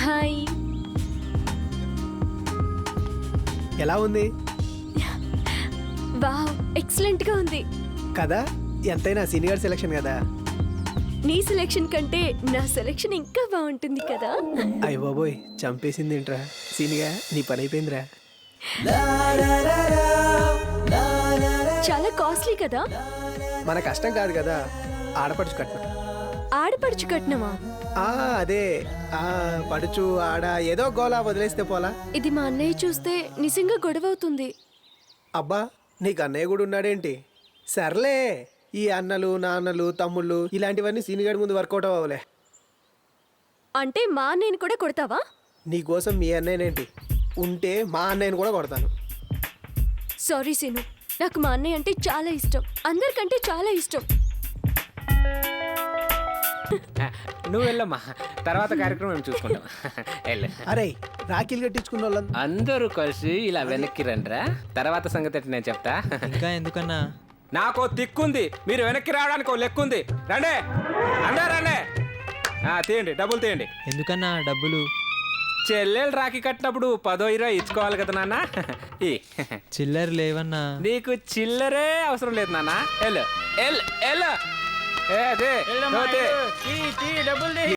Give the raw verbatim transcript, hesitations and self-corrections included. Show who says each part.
Speaker 1: Hi.
Speaker 2: ఎలా ఉంది?
Speaker 1: Wow, excellent గా ఉంది
Speaker 2: కదా, ఎంతైనా సీనియర్ సెలక్షన్ కదా.
Speaker 1: నీ సెలెక్షన్ కంటే నా సెలెక్షన్ ఇంకా బాగుంటుంది కదా.
Speaker 2: అయ్య బాబోయ్, చంపేసింది ఏంట్రా సీనిగా, నీ పని అయిపోయిందిరా.
Speaker 1: చాలా కాస్ట్లీ కదా.
Speaker 2: మన కష్టం కాదు కదా, ఆడపడుచు కట్నం.
Speaker 1: ఆడపడుచు కట్నమా?
Speaker 2: ఆ అదే, ఆ పడుచు ఆడ ఏదో గోలా వదిలేస్తే పోలా.
Speaker 1: ఇది మా అన్నయ్య చూస్తే నిజంగా గొడవ అవుతుంది.
Speaker 2: అబ్బా, నీకు అన్నయ్య కూడా ఉన్నాడేంటి? సర్లే, ఈ అన్నలు నాన్నలు తమ్ముళ్ళు ఇలాంటివన్నీ సీనియర్ ముందు వర్కౌట్ అవ్వలే.
Speaker 1: అంటే మా అన్నయ్యని కూడా కొడతావా?
Speaker 2: నీకోసం మీ అన్నయ్యనేంటి, ఉంటే మా అన్నయ్యని కూడా కొడతాను.
Speaker 1: సారీ సీను, నాకు మా అన్నయ్య అంటే చాలా ఇష్టం, అందరికంటే చాలా ఇష్టం.
Speaker 3: నువ్వు వెళ్ళమ్మా, తర్వాత కార్యక్రమం మేము చూసుకుంటాం. వెళ్ళు.
Speaker 2: అరే, రాఖీలు కట్టించుకున్న వాళ్ళం
Speaker 3: అందరూ కలిసి ఇలా వెనక్కి రండిరా, తర్వాత సంగతి ఏంటి నేను చెప్తా.
Speaker 4: ఇంకా ఎందుకన్నా?
Speaker 3: నాకు తిక్కుంది, మీరు వెనక్కి రావడానికి ఓ లెక్కుంది. రండి అందరూ రండి. ఆ, తీయండి, డబ్బులు తీయండి.
Speaker 4: ఎందుకన్నా డబ్బులు?
Speaker 3: చెల్లెలు రాఖీ కట్టినప్పుడు పదో ఇరవై ఇచ్చుకోవాలి కదా నాన్న. ఈ
Speaker 4: చిల్లర లేవన్నా.
Speaker 3: నీకు చిల్లరే అవసరం లేదు నాన్న. వెళ్ళు వెళ్ళు వెళ్ళు. ఏ, అదే,
Speaker 5: వెళ్ళమ్మా,
Speaker 3: అదే.
Speaker 5: వెళ్ళు. తీ, తీ, డబ్బులు తీ.